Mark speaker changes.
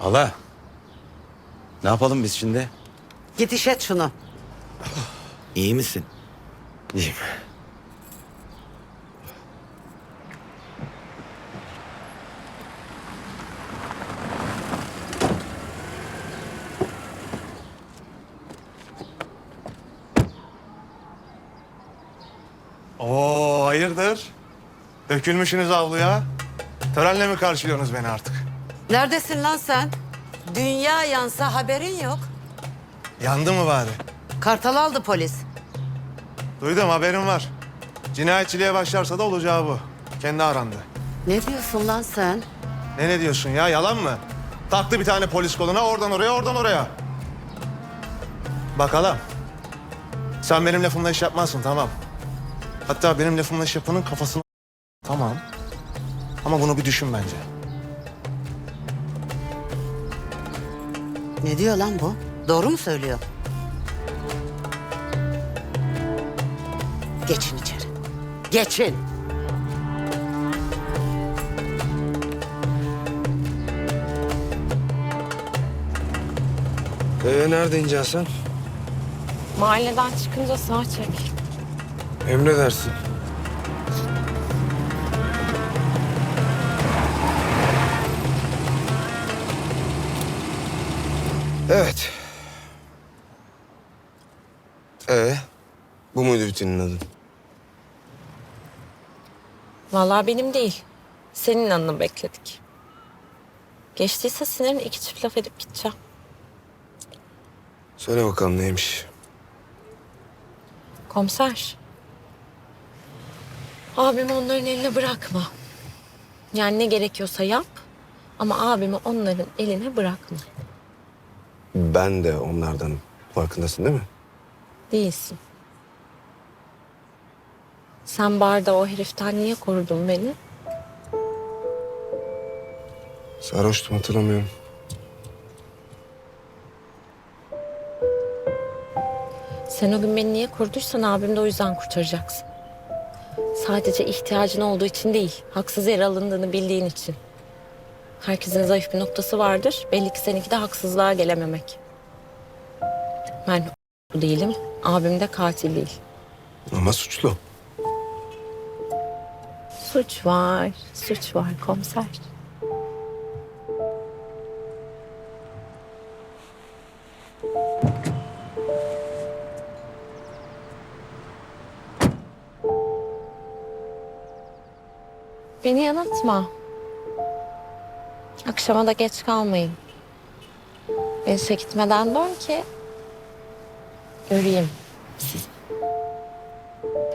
Speaker 1: Hala. Ne yapalım biz şimdi?
Speaker 2: Git işet şunu.
Speaker 3: İyi misin?
Speaker 1: İyiyim.
Speaker 4: Oo, hayırdır? Dökülmüşsünüz avluya. Törenle mi karşılıyorsunuz beni artık?
Speaker 2: Neredesin lan sen? Dünya yansa haberin yok.
Speaker 4: Yandı mı bari?
Speaker 2: Kartal aldı polis.
Speaker 4: Duydum, haberim var. Cinayetçiliğe başlarsa da olacağı bu. Kendi aranda.
Speaker 2: Ne diyorsun lan sen?
Speaker 4: Ne diyorsun ya, yalan mı? Taktı bir tane polis koluna, oradan oraya, oradan oraya. Bakalım. Sen benim lafımla iş yapmazsın, tamam. Hatta benim lafımla iş yapanın kafasını... Tamam. Ama bunu bir düşün bence.
Speaker 2: Ne diyor lan bu? Doğru mu söylüyor? Geçin içeri. Geçin.
Speaker 3: Nerede ineceksin sen?
Speaker 5: Mahalleden çıkınca sağ çek.
Speaker 3: Emredersin. Evet. Bu muydu bütünün adı?
Speaker 5: Vallahi benim değil. Senin anını bekledik. Geçtiyse sinirin iki çift laf edip gideceğim.
Speaker 3: Söyle bakalım neymiş?
Speaker 5: Komiser. Abimi onların eline bırakma. Yani ne gerekiyorsa yap. Ama abimi onların eline bırakma.
Speaker 3: Ben de onlardan, farkındasın değil mi?
Speaker 5: Değilsin. Sen barda o heriften niye korudun beni?
Speaker 3: Sarhoştum, hatırlamıyorum.
Speaker 5: Sen o gün beni niye koruduysan abimi de o yüzden kurtaracaksın. Sadece ihtiyacın olduğu için değil, haksız yere alındığını bildiğin için. Herkesin zayıf bir noktası vardır. Belli ki seninki de haksızlığa gelememek. Ben değilim, abim de katil değil.
Speaker 3: Ama suçlu.
Speaker 5: Suç var komiser. Beni yanıltma. Akşama da geç kalmayın. Ben işe gitmeden dön ki göreyim sizi.